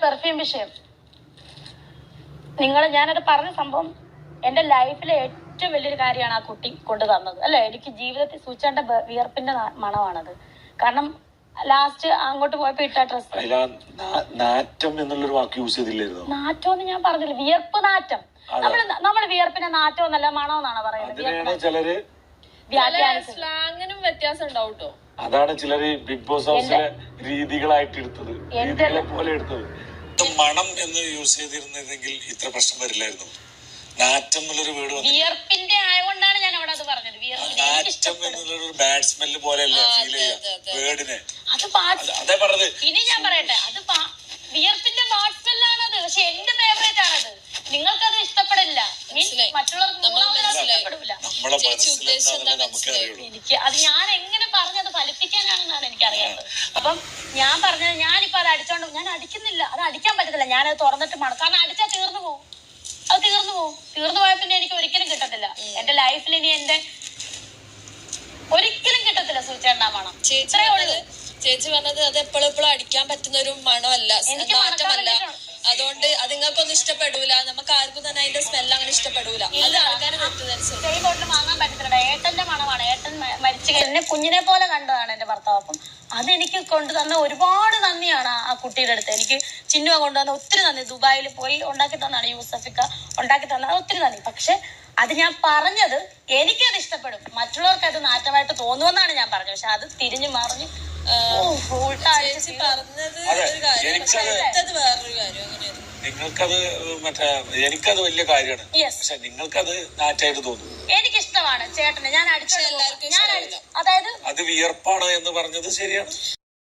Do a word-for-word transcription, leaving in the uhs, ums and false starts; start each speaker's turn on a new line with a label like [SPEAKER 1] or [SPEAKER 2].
[SPEAKER 1] Perfume വിഷയം നിങ്ങൾ ഞാനത് പറഞ്ഞ സംഭവം എന്റെ ലൈഫിലെ ഏറ്റവും വലിയൊരു കാര്യമാണ് ആ കുട്ടി കൊണ്ടു തന്നത് അല്ലെ. എനിക്ക് ജീവിതത്തിൽ സൂചിച്ചേണ്ട വിയർപ്പിന്റെ മണമാണത്. കാരണം ലാസ്റ്റ് അങ്ങോട്ട് പോയപ്പോ ഇട്ട ഡ്രസ്
[SPEAKER 2] നാറ്റം എന്നുള്ളൊരു വാക്ക് യൂസ് ചെയ്തില്ലായിരുന്നു.
[SPEAKER 1] നാറ്റം എന്ന് ഞാൻ പറഞ്ഞില്ല, വിയർപ്പ് നാറ്റം. നമ്മള് നമ്മള് വിയർപ്പിന്റെ നാറ്റം എന്നല്ല മണം എന്നാണ് പറയുന്നത്.
[SPEAKER 2] ചിലര്
[SPEAKER 3] സ്ലാങ്ങിനും വ്യത്യാസം ഉണ്ടാവും കേട്ടോ.
[SPEAKER 2] അതാണ് ചിലര് ബിഗ് ബോസ് ഹൗസിലെ രീതികളായിട്ട് എടുത്തത്, രീതികളെ പോലെ എടുത്തത്. മണം എന്ന് യൂസ് ചെയ്തിരുന്നെങ്കിൽ ഇത്ര പ്രശ്നം വരില്ലായിരുന്നു. നാറ്റം എന്നുള്ളൊരു വേർഡ്
[SPEAKER 1] വിയർപ്പിന്റെ ആയതുകൊണ്ടാണ് ഞാൻ അവിടെ അത് പറഞ്ഞത്.
[SPEAKER 2] നാറ്റം എന്നുള്ളൊരു ബാഡ് സ്മെല്ല് പോലെയല്ല ഫീൽ ചെയ്യുക വേർഡിനെ.
[SPEAKER 1] അത്
[SPEAKER 2] അതേ പറഞ്ഞത്.
[SPEAKER 1] ഇനി ഞാൻ പറയട്ടെ, അത് വിയർപ്പിന്റെ ബാഡ് സ്മെല്ലാണത്. പക്ഷെ എന്റെ ഫേവറേറ്റ് ആണത്. നിങ്ങൾക്കത് ഇഷ്ടപ്പെടില്ല, മറ്റുള്ളവർക്ക് എനിക്ക് അത് ഞാൻ എങ്ങനെ പറഞ്ഞത് ഫലിപ്പിക്കാനാണെന്നാണ് എനിക്കറിയാത്തത്. അപ്പം ഞാൻ പറഞ്ഞത് ഞാനിപ്പോ അത് അടിച്ചോണ്ട് ഞാൻ അടിക്കുന്നില്ല, അത് അടിക്കാൻ പറ്റത്തില്ല. ഞാനത് തുറന്നിട്ട് മണം, കാരണം അടിച്ചാൽ തീർന്നു പോകും. അത് തീർന്നു പോകും. തീർന്നു പോയ പിന്നെ എനിക്ക് ഒരിക്കലും കിട്ടത്തില്ല എന്റെ ലൈഫിൽ. ഇനി എന്റെ ഒരിക്കലും കിട്ടത്തില്ല സൂചേണ്ട മണം.
[SPEAKER 3] ചേച്ചി പറഞ്ഞത് അത് എപ്പോഴും എപ്പോഴും അടിക്കാൻ പറ്റുന്ന ഒരു മണമല്ല, മാറ്റമല്ല. അതുകൊണ്ട് അത് നിങ്ങൾക്കൊന്നും ഇഷ്ടപ്പെടൂല, നമുക്ക് ആർക്കും തന്നെ അതിന്റെ സ്മെല്ല് അങ്ങനെ ഇഷ്ടപ്പെടൂല. അത് ആൾക്കാര്
[SPEAKER 1] ബോട്ടിൽ വാങ്ങാൻ പറ്റത്തില്ല. ഏട്ടന്റെ മണമാണ്. ഏട്ടൻ മരിച്ചു എന്നെ കുഞ്ഞിനെ പോലെ കണ്ടതാണ് എന്റെ ഭർത്താവ്. അപ്പം അതെനിക്ക് കൊണ്ടുതന്ന ഒരുപാട് നന്ദിയാണ് ആ കുട്ടിയുടെ അടുത്ത്. എനിക്ക് ചിന്നുവ കൊണ്ടുവന്ന ഒത്തിരി നന്ദി. ദുബായിൽ പോയി ഉണ്ടാക്കി തന്നാണ് യൂസഫിക്ക ഉണ്ടാക്കി തന്നത്, ഒത്തിരി നന്ദി. പക്ഷെ അത് ഞാൻ പറഞ്ഞത് എനിക്കത് ഇഷ്ടപ്പെടും, മറ്റുള്ളവർക്ക് അത് നാറ്റമായിട്ട് തോന്നുമെന്നാണ് ഞാൻ പറഞ്ഞത്. പക്ഷെ അത് തിരിഞ്ഞു മറിഞ്ഞ്
[SPEAKER 2] നിങ്ങൾക്കത് മറ്റേ എനിക്കത് വലിയ കാര്യമാണ്. പക്ഷെ നിങ്ങൾക്കത് നാറ്റായിട്ട് തോന്നും.
[SPEAKER 1] എനിക്കിഷ്ടമാണ് ചേട്ടന്. ഞാൻ അടിച്ചു, ഞാൻ അതായത്
[SPEAKER 2] അത് വിയർപ്പാണ് എന്ന് പറഞ്ഞത് ശരിയാണ്.